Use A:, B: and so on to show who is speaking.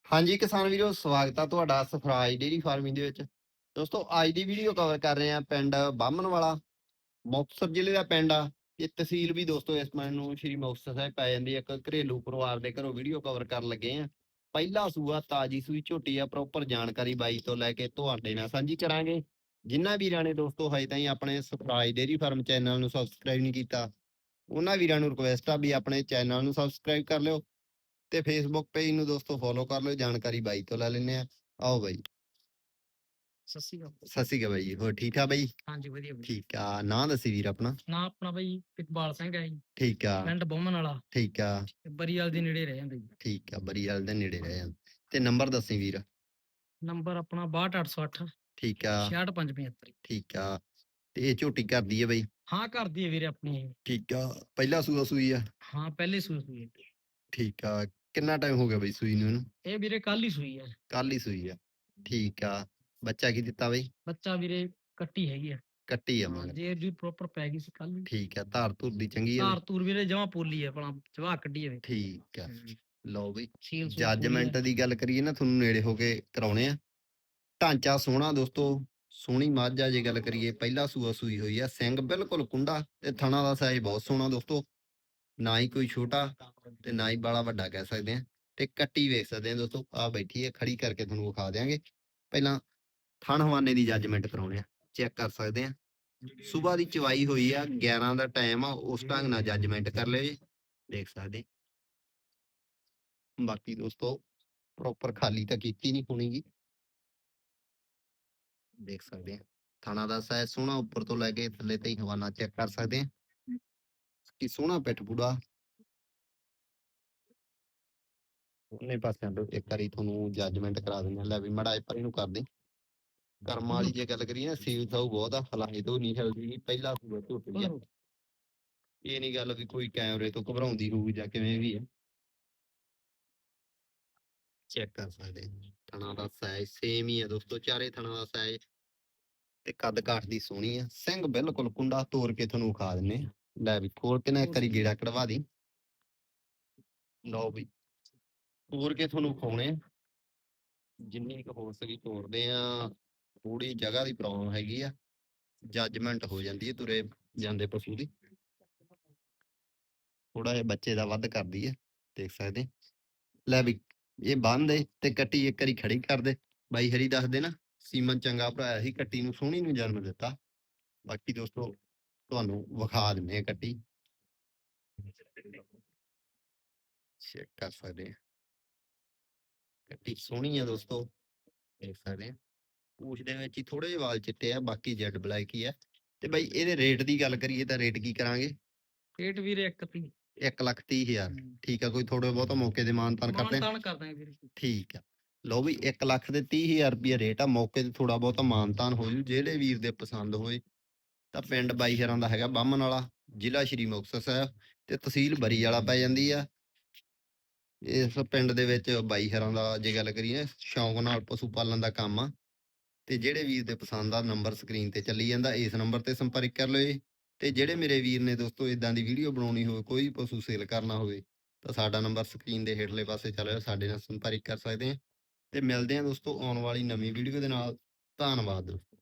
A: ਹਾਂਜੀ ਕਿਸਾਨ ਵੀਰੋ, ਸਵਾਗਤ ਆ ਤੁਹਾਡਾ ਸਫਰਾਜ ਡੇਅਰੀ ਫਾਰਮਿੰਗ ਦੇ ਵਿੱਚ। ਦੋਸਤੋ ਅੱਜ ਦੀ ਵੀਡੀਓ ਕਵਰ ਕਰ ਰਹੇ ਆ ਪਿੰਡ ਬਾਹਮਣਵਾਲਾ, ਮੁਕਤਸਰ ਜ਼ਿਲ੍ਹੇ ਦਾ ਪਿੰਡ ਆ। ਇਹ ਤਹਿਸੀਲ ਵੀ ਦੋਸਤੋ ਇਸ ਪਿੰਡ ਨੂੰ ਸ਼੍ਰੀ ਮੁਕਤਸਰ ਸਾਹਿਬ ਪੈ ਜਾਂਦੀ ਹੈ। ਇੱਕ ਘਰੇਲੂ ਪਰਿਵਾਰ ਦੇ ਘਰੋਂ ਵੀਡੀਓ ਕਵਰ ਕਰਨ ਲੱਗੇ ਆ। ਪਹਿਲਾ ਸੂਆ ਤਾਜੀ ਸੂਈ ਝੋਟੀ ਆ। ਪ੍ਰੋਪਰ ਜਾਣਕਾਰੀ ਬਾਈ ਤੋਂ ਲੈ ਕੇ ਤੁਹਾਡੇ ਨਾਲ ਸਾਂਝੀ ਕਰਾਂਗੇ। ਜਿਨ੍ਹਾਂ ਵੀਰਾਂ ਨੇ ਦੋਸਤੋ ਹਜੇ ਤਾਈਂ ਆਪਣੇ ਸਫਰਾਜ ਡੇਅਰੀ ਫਾਰਮ ਚੈਨਲ ਨੂੰ ਸਬਸਕ੍ਰਾਈਬ ਨਹੀਂ ਕੀਤਾ, ਉਹਨਾਂ ਵੀਰਾਂ ਨੂੰ ਰਿਕੁਐਸਟ ਆ ਵੀ ਆਪਣੇ ਚੈਨਲ ਨੂੰ ਸਬਸਕ੍ਰਾਈਬ ਕਰ ਲਿਓ ਤੇ ਫੇਸਬੁੱਕ ਪੇਜ ਨੂੰ ਦੋਸਤੋ ਫੋਲੋ ਕਰ ਲਿਓ। ਜਾਣਕਾਰੀ ਬਾਈ ਤੋਂ ਲੈ ਲੈਂਦੇ ਆ। ਆਓ ਬਾਈ।
B: ਸਤਿ ਸ਼੍ਰੀ ਅਕਾਲ।
A: ਸਤਿ ਸ਼੍ਰੀ ਅਕਾਲ ਬਾਈ ਜੀ, ਹੋਰ ਠੀਕ ਆ ਬਾਈ?
B: ਹਾਂਜੀ ਵਧੀਆ ਵਧੀਆ।
A: ਠੀਕ ਆ, ਨਾਂ ਦੱਸੀ ਵੀਰ ਆਪਣਾ।
B: ਨਾਂ ਆਪਣਾ ਬਾਈ ਇਕਬਾਲ ਸਿੰਘ ਹੈ ਜੀ,
A: ਠੀਕ ਆ
B: ਪਿੰਡ ਬੋਮਨ ਵਾਲਾ,
A: ਠੀਕ ਆ
B: ਬਰੀਵਾਲ ਦੇ ਨੇੜੇ ਰਹਿ ਜਾਂਦਾ ਜੀ।
A: ਠੀਕ ਆ, ਬਰੀਵਾਲ ਦੇ ਨੇੜੇ ਰਹਿ ਜਾਂਦਾ। ਤੇ ਨੰਬਰ ਦੱਸੀ ਵੀਰ।
B: ਨੰਬਰ ਆਪਣਾ 62808
A: ਠੀਕ ਆ
B: 66575।
A: ਠੀਕ ਆ। ਤੇ ਇਹ ਝੋਟੀ ਕਰਦੀ ਹੈ ਬਾਈ?
B: ਹਾਂ ਕਰਦੀ ਹੈ ਵੀਰੇ ਆਪਣੀ ਇਹ।
A: ਠੀਕ ਆ, ਪਹਿਲਾ ਸੂਆ ਸੂਈ ਆ?
B: ਹਾਂ ਪਹਿਲੇ ਸੂਈ ਹੈ।
A: ਠੀਕ ਆ, ਕਿੰਨਾ ਟਾਈਮ ਹੋ ਗਿਆ ਬਾਈ ਸੂਈ ਨੂੰ ਇਹਨੂੰ?
B: ਇਹ ਵੀਰੇ ਕੱਲ ਹੀ ਸੂਈ ਹੈ।
A: ਕੱਲ ਹੀ ਸੂਈ ਆ, ਠੀਕ ਆ। ਬੱਚਾ ਕੀ ਦਿੱਤਾ ਬਾਈ?
B: ਬੱਚਾ ਵੀਰੇ ਕੱਟੀ ਹੈਗੀ ਆ,
A: ਕੱਟੀ ਆ
B: ਹਾਂ
A: ਮਗਰ?
B: ਜੇ ਜੀ ਪ੍ਰੋਪਰ ਪੈ ਗਈ ਸੀ ਕੱਲ।
A: ਠੀਕ ਆ, ਧਾਰ ਧੁਰ ਦੀ ਚੰਗੀ ਆ?
B: ਧਾਰ ਤੂਰ ਵੀਰੇ ਜਮਾ ਪੋਲੀ ਹੈ, ਆਪਣਾ ਜਵਾ ਕੱਢੀ ਹੈ।
A: ਠੀਕ ਆ, ਲਓ ਬਈ
B: ਸੀਲ ਸੂਲ ਪੂਰੀ
A: ਜੱਜਮੈਂਟ
B: ਆ।
A: ਦੀ ਗੱਲ ਕਰੀਏ ਨਾ, ਤੁਹਾਨੂੰ ਨੇੜੇ ਹੋ ਕੇ ਕਰਾਉਣੇ ਆ। ਢਾਂਚਾ ਸੋਹਣਾ ਦੋਸਤੋ, ਸੋਹਣੀ ਮੱਝ ਆ। ਜੇ ਗੱਲ ਕਰੀਏ ਪਹਿਲਾ ਸੂਆ ਸੂਈ ਹੋਈ ਆ, ਸਿੰਘ ਬਿਲਕੁਲ ਕੁੰਡਾ ਤੇ ਥਣਾ ਦਾ ਸਾਈਜ਼ ਬਹੁਤ ਸੋਹਣਾ ਦੋਸਤੋ। ਨਾ ਹੀ ਕੋਈ ਛੋਟਾ ਤੇ ਨਾ ਹੀ ਬਾਲਾ ਵੱਡਾ ਕਹਿ ਸਕਦੇ ਆ। ਤੇ ਕੱਟੀ ਵੇਖ ਸਕਦੇ ਆ ਦੋਸਤੋ, ਆ ਬੈਠੀ ਹੈ, ਖੜੀ ਕਰਕੇ ਤੁਹਾਨੂੰ ਵਿਖਾ ਦਿਆਂਗੇ। ਪਹਿਲਾਂ ਥਣ ਹਵਾਨੇ ਦੀ ਜੱਜਮੈਂਟ ਕਰਾਉਣੇ ਆ, ਚੈੱਕ ਕਰ ਸਕਦੇ ਆ। ਸੁਬਾਹ ਦੀ ਚਵਾਈ ਹੋਈ ਆ, 11 ਦਾ ਟਾਈਮ ਆ। ਉਸ ਢੰਗ ਨਾਲ ਜੱਜਮੈਂਟ ਕਰ ਲਿਓ ਜੀ, ਦੇਖ ਸਕਦੇ। ਬਾਕੀ ਦੋਸਤੋ ਪ੍ਰੋਪਰ ਖਾਲੀ ਤਾਂ ਕੀਤੀ ਨਹੀਂ ਹੋਣੀਗੀ, ਦੇਖ ਸਕਦੇ ਆ। ਥਾਣਾ ਦਾ ਸਾਈਜ਼ ਸੋਹਣਾ, ਉੱਪਰ ਤੋਂ ਲੈ ਕੇ ਥੱਲੇ ਤੇ ਹਵਾਨਾ ਚੈੱਕ ਕਰ ਸਕਦੇ ਆ ਕਿ ਸੋਹਣਾ ਪਿੱਠ ਪੂੜਾ। ਉਹਨੇ ਪਾਸਿਆਂ ਤੋਂ ਇੱਕ ਵਾਰੀ ਤੁਹਾਨੂੰ ਜੱਜਮੈਂਟ ਕਰਾ ਦਿੰਦੇ ਆ। ਲੈ ਵੀ ਮੜਾ ਪਰ ਇਹਨੂੰ ਕਰ ਦੇ। ਕਰਮਾਂ ਵਾਲੀ ਜੇ ਗੱਲ ਕਰੀਏ ਨਾ, ਸੀਲ ਸਾਊ ਬਹੁਤ ਆ, ਹਲਾਏ ਤੋਂ ਨਹੀਂ ਹਿਲਦੀ। ਪਹਿਲਾ ਸੂਆ ਝੋਟੀ ਆ, ਇਹ ਨਹੀਂ ਗੱਲ ਵੀ ਕੋਈ ਕੈਮਰੇ ਤੋਂ ਘਬਰਾਉਂਦੀ ਹੋਊਗੀ ਜਾਂ ਕਿਵੇਂ ਵੀ ਹੈ। ਚੈੱਕ ਕਰ ਸਕਦੇ ਥਣਾ ਦਾ ਸਾਈਜ਼ ਸੇਮ ਹੀ ਆ ਦੋਸਤੋ, ਚਾਰੇ ਥਣਾ ਦਾ ਸਾਈਜ਼ ਤੇ ਕੱਦ ਕਾਠ ਦੀ ਸੋਹਣੀ ਆ। ਸਿੰਘ ਬਿਲਕੁਲ ਕੁੰਡਾ, ਤੋੜ ਕੇ ਤੁਹਾਨੂੰ ਵਿਖਾ ਦਿੰਨੇ ਆ। ਲੈ ਵੀ ਖੋਲ ਕੇ ਨਾ ਇੱਕ ਵਾਰੀ ਗੇੜਾ ਕਢਵਾ ਦੀ। ਲਓ ਵੀ ਤੋੜ ਕੇ ਤੁਹਾਨੂੰ ਵਿਖਾਉਣੇ ਆ, ਜਿੰਨੀ ਕੁ ਹੋ ਸਕੀ ਤੋੜਦੇ ਆ। ਥੋੜੀ ਜਗ੍ਹਾ ਦੀ ਪ੍ਰੋਬਲਮ ਹੈਗੀ ਆ, ਜੱਜਮੈਂਟ ਹੋ ਜਾਂਦੀ ਹੈ ਤੁਰੇ ਜਾਂਦੇ ਪਸ਼ੂ ਦੀ। ਥੋੜਾ ਜਿਹਾ ਬੱਚੇ ਦਾ ਵੱਧ ਕਰਦੀ ਹੈ, ਦੇਖ ਸਕਦੇ। ਲੈ ਵੀ ਇਹ ਬੰਦ ਤੇ ਕੱਟੀ ਇੱਕ ਵਾਰੀ ਖੜੀ ਕਰ ਦੇ। ਬਾਈ ਹਰੀ ਦੱਸਦੇ ਨਾ, ਸੀਮਨ ਚੰਗਾ ਭਰਾਇਆ ਸੀ, ਕੱਟੀ ਨੂੰ ਸੋਹਣੀ ਨੂੰ ਜਨਮ ਦਿੱਤਾ। ਬਾਕੀ ਦੋਸਤੋ ਤੁਹਾਨੂੰ ਵਿਖਾ ਦਿੰਦੇ ਆ ਕੱਟੀ, ਚੈੱਕ ਕਰ ਸਕਦੇ ਆ। ਕੱਟੀ ਸੋਹਣੀ ਆ ਦੋਸਤੋ, ਦੇਖ ਸਕਦੇ ਆ। ਪੂਛ ਦੇ ਵਿੱਚ ਹੀ ਥੋੜੇ ਜਿਹੇ ਵਾਲ ਚਿੱਟੇ ਆ, ਬਾਕੀ ਜੈਡ ਬਲੈਕ ਹੀ ਆ। ਤੇ ਬਾਈ ਇਹਦੇ ਰੇਟ ਦੀ ਗੱਲ ਕਰੀਏ ਤਾਂ ਰੇਟ ਕੀ ਕਰਾਂਗੇ?
B: ਰੇਟ ਵੀਰੇ
A: 1,30,000। ਠੀਕ ਆ, ਕੋਈ ਥੋੜੇ ਬਹੁਤ ਮੌਕੇ ਦੇ ਮਾਨਤਾਨ ਕਰਦੇ ਆ?
B: ਮਾਨਤਾਨ ਕਰਦਾ ਵੀਰੇ। ਠੀਕ
A: ਆ, ਲਓ ਵੀ 1,30,000 ਰੁਪਇਆ ਰੇਟ ਆ। ਮੌਕੇ ਤੇ ਥੋੜਾ ਬਹੁਤਾ ਮਾਨਤਾਨ ਹੋ ਜੂ, ਜਿਹੜੇ ਵੀਰ ਦੇ ਪਸੰਦ ਹੋਏ ਤਾਂ। ਪਿੰਡ ਬਾਈ ਹਰਾਂ ਦਾ ਹੈਗਾ ਬਾਹਮਣ ਵਾਲਾ, ਜ਼ਿਲ੍ਹਾ ਸ਼੍ਰੀ ਮੁਕਤਸਰ ਸਾਹਿਬ ਤੇ ਤਹਿਸੀਲ ਬਰੀਵਾਲਾ ਪੈ ਜਾਂਦੀ ਆ। ਇਸ ਪਿੰਡ ਦੇ ਵਿੱਚ ਬਾਈ ਹਰਾਂ ਦਾ ਜੇ ਗੱਲ ਕਰੀਏ, ਸ਼ੌਂਕ ਨਾਲ ਪਸ਼ੂ ਪਾਲਣ ਦਾ ਕੰਮ ਆ। ਤੇ ਜਿਹੜੇ ਵੀਰ ਦੇ ਪਸੰਦ ਆ, ਨੰਬਰ ਸਕਰੀਨ ਤੇ ਚੱਲੀ ਜਾਂਦਾ, ਇਸ ਨੰਬਰ ਤੇ ਸੰਪਰਕ ਕਰ ਲਿਓ ਜੀ। ਤੇ ਜਿਹੜੇ ਮੇਰੇ ਵੀਰ ਨੇ ਦੋਸਤੋ ਇਦਾਂ ਦੀ ਵੀਡੀਓ ਬਣਾਉਣੀ ਹੋਵੇ, ਕੋਈ ਪਸ਼ੂ ਸੇਲ ਕਰਨਾ ਹੋਵੇ, ਤਾਂ ਸਾਡਾ ਨੰਬਰ ਸਕਰੀਨ ਦੇ ਹੇਠਲੇ ਪਾਸੇ ਚੱਲ ਰਿਹਾ, ਸਾਡੇ ਨਾਲ ਸੰਪਰਕ ਕਰ ਸਕਦੇ ਆ। ਤੇ ਮਿਲਦੇ ਆ ਦੋਸਤੋ ਆਉਣ ਵਾਲੀ ਨਵੀਂ ਵੀਡੀਓ ਦੇ ਨਾਲ। ਧੰਨਵਾਦ ਦੋਸਤੋ।